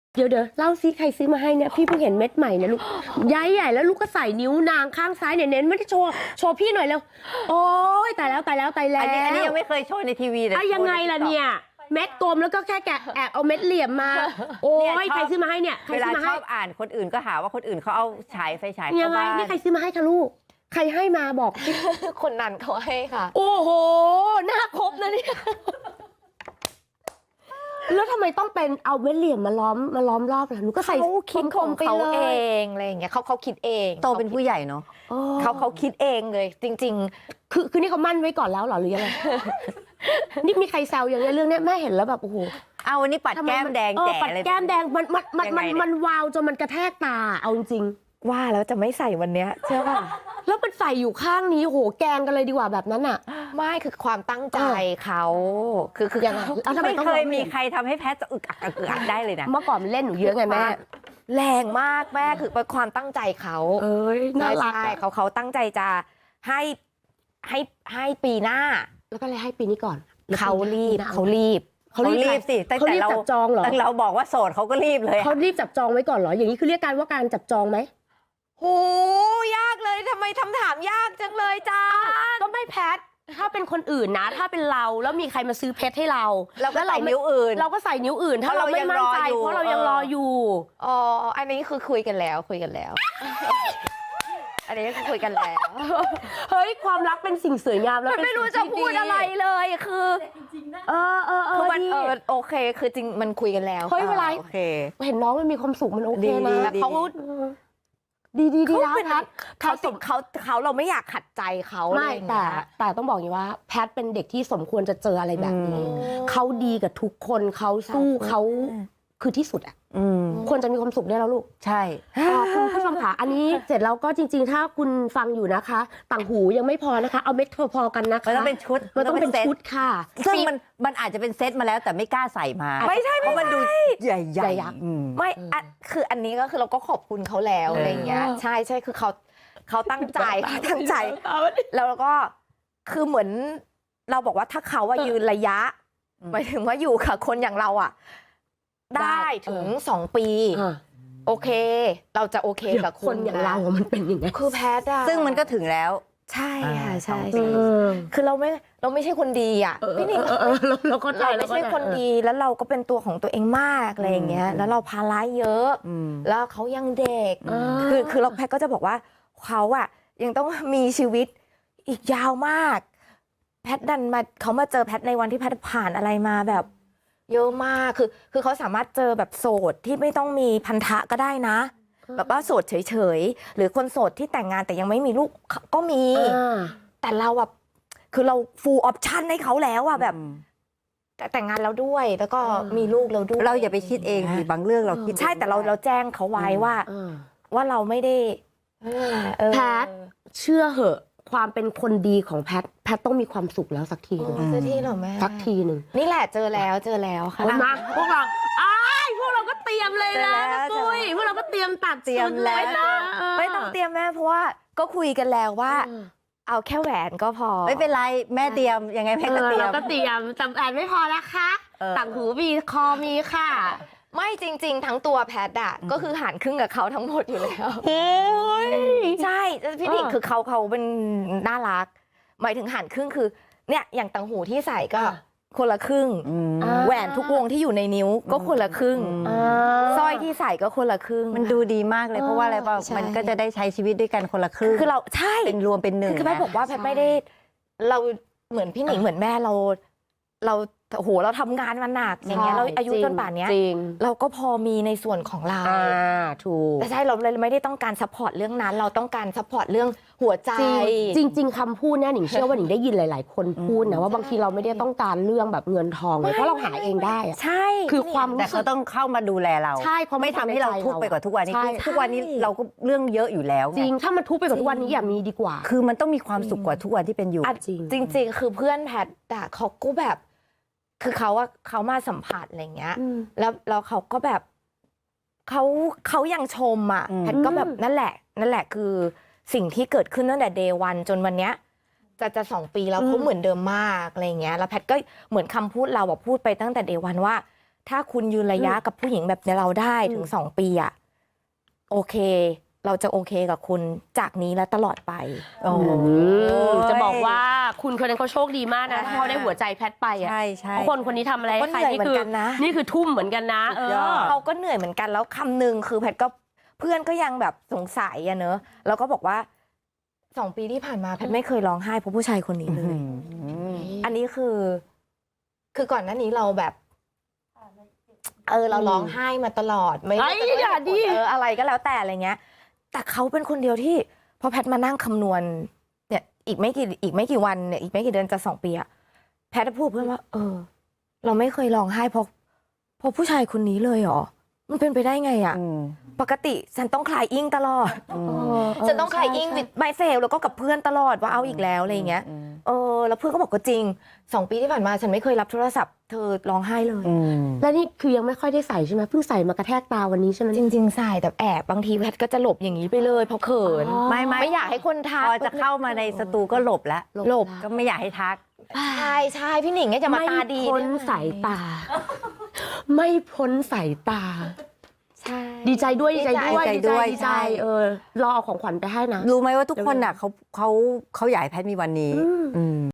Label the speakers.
Speaker 1: เดี๋ยวเล่าซิใครซื้อมาให้เนี่ยพี่เพิ่งเห็นเม็ดใหม่เนี่ยลูกย้ายใหญ่แล้วลูกก็ใส่นิ้วนางข้างซ้ายเนี่ยเน้นไม่ได้โชว์พี่หน่อยเร็วโอ้ยตายแล้ว
Speaker 2: อันนี้ยังไม่เคยโชว์ในทีวีเลย
Speaker 1: ยังไงล่ะเนี่ยเม็ดกลมแล้วก็แค่แกะแอบเอาเม็ดเหลี่ยมมาโอ้ยใครซื้อมาให้เนี่ย
Speaker 2: เวลาชอบอ่านคนอื่นก็หาว่าคนอื่นเขาเอาไฟฉาย
Speaker 1: ยังไงนี่ใครซื้อมาให้คะลูกใครให้มาบอก
Speaker 3: คนนั้นเขาให้ค่ะ
Speaker 1: โอ้โหหน้าครบนะเนี่ยแล้วทำไมต้องเป็นเอาเม็ดเหลี่ยมมาล้อมรอบล่ะหนูก็ใส่
Speaker 3: คิดของเขาเองอะไรอย่างเงี้ยเขาคิดเอง
Speaker 2: โตเป็นผู้ใหญ่เนาะ
Speaker 3: เขาคิดเองเลยจริง
Speaker 1: ๆคือนี่เขามั่นไว้ก่อนแล้วเหรอหรือยังไงนี่มีใครแซวอย่างเงี้ยเรื่องนี้แม่เห็นแล้วแบบโอ้โห
Speaker 2: เอาวันนี้ปัดแก้มแดงแจ๋
Speaker 1: ปัดแก้มแดงมันวาวจนมันกระแทกตาเอาจริง
Speaker 3: ว่าแล้วจะไม่ใส่วันเนี้ยเชื่อป่ะ
Speaker 1: แล้วมันใส่อยู่ข้างนี้โหแกงกันเลยดีกว่าแบบนั้นอ่ะ
Speaker 3: ไม่คือความตั้งใจเขาคือ
Speaker 2: ยังไม่เคยมีใครทำให้แพทจะอึกอักได้เลยนะ
Speaker 1: เมื่อก่อนมันเล่นหนูเยอะไงแม่
Speaker 3: แรงมากแม่คือเป็นความตั้งใจเขา
Speaker 1: น่ารัก
Speaker 3: เขาตั้งใจจะให้ปีหน้า
Speaker 1: แล้วก็เลยให้ปีนี้ก่อน
Speaker 3: เขารีบ
Speaker 2: สิแต่
Speaker 1: เราจับจองเหรอ
Speaker 2: เราบอกว่าโสดเขาก็รีบเลย
Speaker 1: เขารีบจับจองไว้ก่อนเหรออย่างนี้คือเรียกการจับจองไหม
Speaker 3: โหยากเลยทำไมคำถามยากจังเลยจ้า
Speaker 1: ก็ไม่แพทถ้าเป็นคนอื่นนะถ้าเป็นเราแล้วมีใครมาซื้อเพชรให้เรา
Speaker 2: ก็ใส่นิ้วอื่น
Speaker 1: เราก็ใส่นิ้วอื่นถ้าเราไม่มั่นใจเพราะเรายังรออยู่
Speaker 3: อ๋ออันนี้คือคุยกันแล้วอันนี้คือคุยกันแล้ว
Speaker 1: เฮ้ยความรักเป็นสิ่งสวยงามแล้ว
Speaker 3: ไม่รู้จะพูดอะไรเลยคือคือมันโอเคคือจริงมันคุยกันแล้ว
Speaker 1: เฮ้ยเวลา
Speaker 2: โอเค
Speaker 1: เห็นน้องมันมีความสุขมันโอเคนะเขาดีแล้วแพท
Speaker 3: เขาเราไม่อยากขัดใจเขา
Speaker 1: ไม่แต่ต้องบอกอย่างว่าแพทเป็นเด็กที่สมควรจะเจออะไรแบบนี้เขาดีกับทุกคนเขาสู้เขาคือที่สุดอ่ะควรจะมีความสุขได้แล้วลูก
Speaker 2: ใช่
Speaker 1: คุณผู้ชมค่ะอันนี้เสร็จแล้วก็จริงๆถ้าคุณฟังอยู่นะคะต่างหูยังไม่พอนะคะเอาเม็ดพอๆกันนะคะ
Speaker 2: มันต้องเป็นชุด
Speaker 1: มันต้องเป็นชุดค่ะ
Speaker 2: ซึ่งมันอาจจะเป็นเซตมาแล้วแต่ไม่กล้าใส่มา
Speaker 3: ไม่ใช่
Speaker 2: เพราะมันดูใหญ่
Speaker 3: ไม่คืออันนี้ก็คือเราก็ขอบคุณเขาแล้วอะไรเงี้ยใช่คือเขาตั้งใจแล้วก็คือเหมือนเราบอกว่าถ้าเขาว่ายืนระยะหมายถึงว่าอยู่กับคนอย่างเราอ่ะได้ถึง2 ปีโอเคเราจะโอเคกับ
Speaker 1: คนอย่างเรามันเป็นอย่างไง
Speaker 3: คือแพทย์
Speaker 2: ซึ่งมันก็ถึงแล้ว
Speaker 3: ใช่ค่ะใช่คือเราไม่ใช่คนดีอ่ะพี่นิ่ง
Speaker 1: เรา
Speaker 3: ไม่ใช่คนดีแล้วเราก็เป็นตัวของตัวเองมากอะไรอย่างเงี้ยแล้วเราภาระเยอะแล้วเขายังเด็กคือเราแพทย์ก็จะบอกว่าเขาอ่ะยังต้องมีชีวิตอีกยาวมากแพทย์ดันมาเขามาเจอแพทย์ในวันที่แพทย์ผ่านอะไรมาแบบเยอะมากคือเขาสามารถเจอแบบโสดที่ไม่ต้องมีพันธะก็ได้นะแบบว่าโสดเฉยๆหรือคนโสดที่แต่งงานแต่ยังไม่มีลูกก็มีแต่เราแบบคือเรา full option ให้เขาแล้วอะแบบแต่งงานแล้วด้วยแล้วก็มีลูกแล้วด้วย
Speaker 2: เราอย่าไปคิดเองบางเรื่องเราคิด
Speaker 3: ใช่แต่เราแจ้งเขาไว้ว่าเราไม่ได้
Speaker 1: แพทเชื่อเหอะความเป็นคนดีของแพทต้องมีความสุขแล้วสักทีนึง
Speaker 3: สักทีหรอแม่
Speaker 1: สักทีนึง
Speaker 3: นี่แหละเจอแล้วค่ะ
Speaker 1: มาพวกเราก็เตรียมเลยนะปุ้ยพวกเราก็เตรียมตัด
Speaker 2: เตรียมแล้ว
Speaker 3: ไม่ต้องเตรียมแม่เพราะว่าก็คุยกันแล้วว่าเอาแค่แหวนก็พอ
Speaker 2: ไม่เป็นไรแม่เตรียมยังไงแม่ก็เตรียม
Speaker 1: แต่แหวนไม่พอนะคะต่างหูมีคอมีค่ะ
Speaker 3: ไม่จริงๆทั้งตัวแพทย์อะก็คือหารครึ่งกับเขาทั้งหมดอยู่แล้วใช่พี่นิ่งคือเขาเป็นน่ารักหมายถึงหารครึ่งคือเนี่ยอย่างต่างหูที่ใส่ก็คนละครึ่งแหวนทุกวงที่อยู่ในนิ้วก็คนละครึ่งสร้อยที่ใส่ก็คนละครึ่ง
Speaker 2: มันดูดีมากเลยเพราะว่าอะไรป่ะมันก็จะได้ใช้ชีวิตด้วยกันคนละครึ่ง
Speaker 3: คือเราใช่
Speaker 2: เป็นรวมเป็นหนึ่ง
Speaker 3: คือแม่บอกว่าแพทไม่ได้เราเหมือนพี่หนิงเหมือนแม่เราโอ้โหเราทำงานมาหนักอย่างเงี้ยเราอายุจนป่านเนี้ยเราก็พอมีในส่วนของเรา
Speaker 1: ถูก
Speaker 3: แต่ใช่เราเลยไม่ได้ต้องการซัพพอร์ตเรื่องนั้นเราต้องการซัพพอร์ตเรื่องหัวใจ
Speaker 1: จริงคำพูดเนี่ยหนิงเชื่อว่าหนิงได้ยินหลายๆคนพูดนะว่าบางทีเราไม่ได้ต้องการเรื่องแบบเงินทองเลยเพราะเราหาเองได้
Speaker 3: ใช่
Speaker 1: คือความ
Speaker 2: แต่เขาต้องเข้ามาดูแลเรา
Speaker 1: ใช่เขา
Speaker 2: ไม่ทำให้เราทุกข์ไปกว่าทุกวันนี้ทุกวันนี้เราก็เรื่องเยอะอยู่แล้ว
Speaker 1: จริงถ้ามันทุกข์ไปกว่าทุกวันนี้อย่ามีดีกว่า
Speaker 2: คือมันต้องมีความสุขกว่าทุกวันที่เป็นอยู่
Speaker 3: จริงคือเพื่อนแพทเขาก็แบบคือเขามาสัมผัสอะไรเงี้ยแล้วเขาก็แบบเขายังชมอ่ะแพทก็แบบนั่นแหละคือสิ่งที่เกิดขึ้นตั้งแต่เดย์วันจนวันเนี้ยจะ2 ปีแล้วเขาเหมือนเดิมมากอะไรเงี้ยแล้วแพทก็เหมือนคำพูดเราพูดไปตั้งแต่เดย์วันว่าถ้าคุณยืนระยะกับผู้หญิงแบบเราได้ถึง2 ปีอะโอเค เราจะโอเคกับคุณจากนี้และตลอดไป
Speaker 2: โอ้โห
Speaker 1: จะบอกว่าคุณคนนั้นเขาโชคดีมากนะที่เขาได้หัวใจแพทไปอ่ะ
Speaker 2: ใช่ใช่
Speaker 1: เพราะคนนี้ทำอะไร
Speaker 3: ก็
Speaker 1: ให้
Speaker 3: เห
Speaker 1: ใคร
Speaker 3: นื่อยเหมือนกันนะ
Speaker 1: นี่คือทุ่มเหมือนกันนะ
Speaker 2: สุดยอด
Speaker 3: เขาก็เหนื่อยเหมือนกันแล้วคำหนึ่งคือแพทย์ก็เพื่อนก็ยังแบบสงสัยอะเนอะแล้วก็บอกว่า2 ปีที่ผ่านมาแพทย์ไม่เคยร้องไห้เพราะผู้ชายคนนี้เลย อันนี้คือก่อนหน้านี้เราแบบเราร้องไห้มาตลอดไม่ว่าจะด้วย
Speaker 1: อย่าดิ
Speaker 3: อะไรก็แล้วแต่อะไรเงี้ย แต่เขาเป็นคนเดียวที่พอแพทย์มานั่งคำนวณเนี่ยอีกไม่กี่วันเนี่ยอีกไม่กี่เดือนจะ2 ปีอะแพทย์พูดเพื่อนว่าเราไม่เคยร้องไห้เพราะผู้ชายคนนี้เลยเหรอมันเป็นไปได้ไงอะปกติฉันต้องคลายอิงตลอดฉันต้องคลายอิงวิดไมเซลแล้วก็กับเพื่อนตลอดว่าเอาอีกแล้วอะไรอย่างเงี้ยแล้วเพื่อนก็บอกก็จริง2 ปีที่ผ่านมาฉันไม่เคยรับโทรศัพท์เธอร้องไห้เลย
Speaker 1: และนี่คือยังไม่ค่อยได้ใส่ใช่ไหมเพิ่งใส่มากระแทกตาวันนี้ใช่ไหม
Speaker 3: จริงๆใส่แต่แอบบางทีแพทย์ก็จะหลบอย่างนี้ไปเลยเพราะเขิน ไม่อยากให้คนทัก
Speaker 2: พอจะเข้ามาในสตูก็หลบแล้ว
Speaker 3: หลบ
Speaker 2: ก็ไม่อยากให้ทัก
Speaker 3: ใช่พี่หนิงเนี่ยจะมาตาดี
Speaker 1: ไม่พ้นสายตา ไม่พ้นสายตา
Speaker 3: ใช่
Speaker 1: ดีใจด้วยดีใจด้วย
Speaker 2: ดีใจด้วย
Speaker 1: ดีใจ
Speaker 2: ใช่
Speaker 1: รอเอาของขวัญไปให้นะ
Speaker 2: รู้ไหมว่าทุกคนอ่ะเขาอยากให้แพทมีวันนี้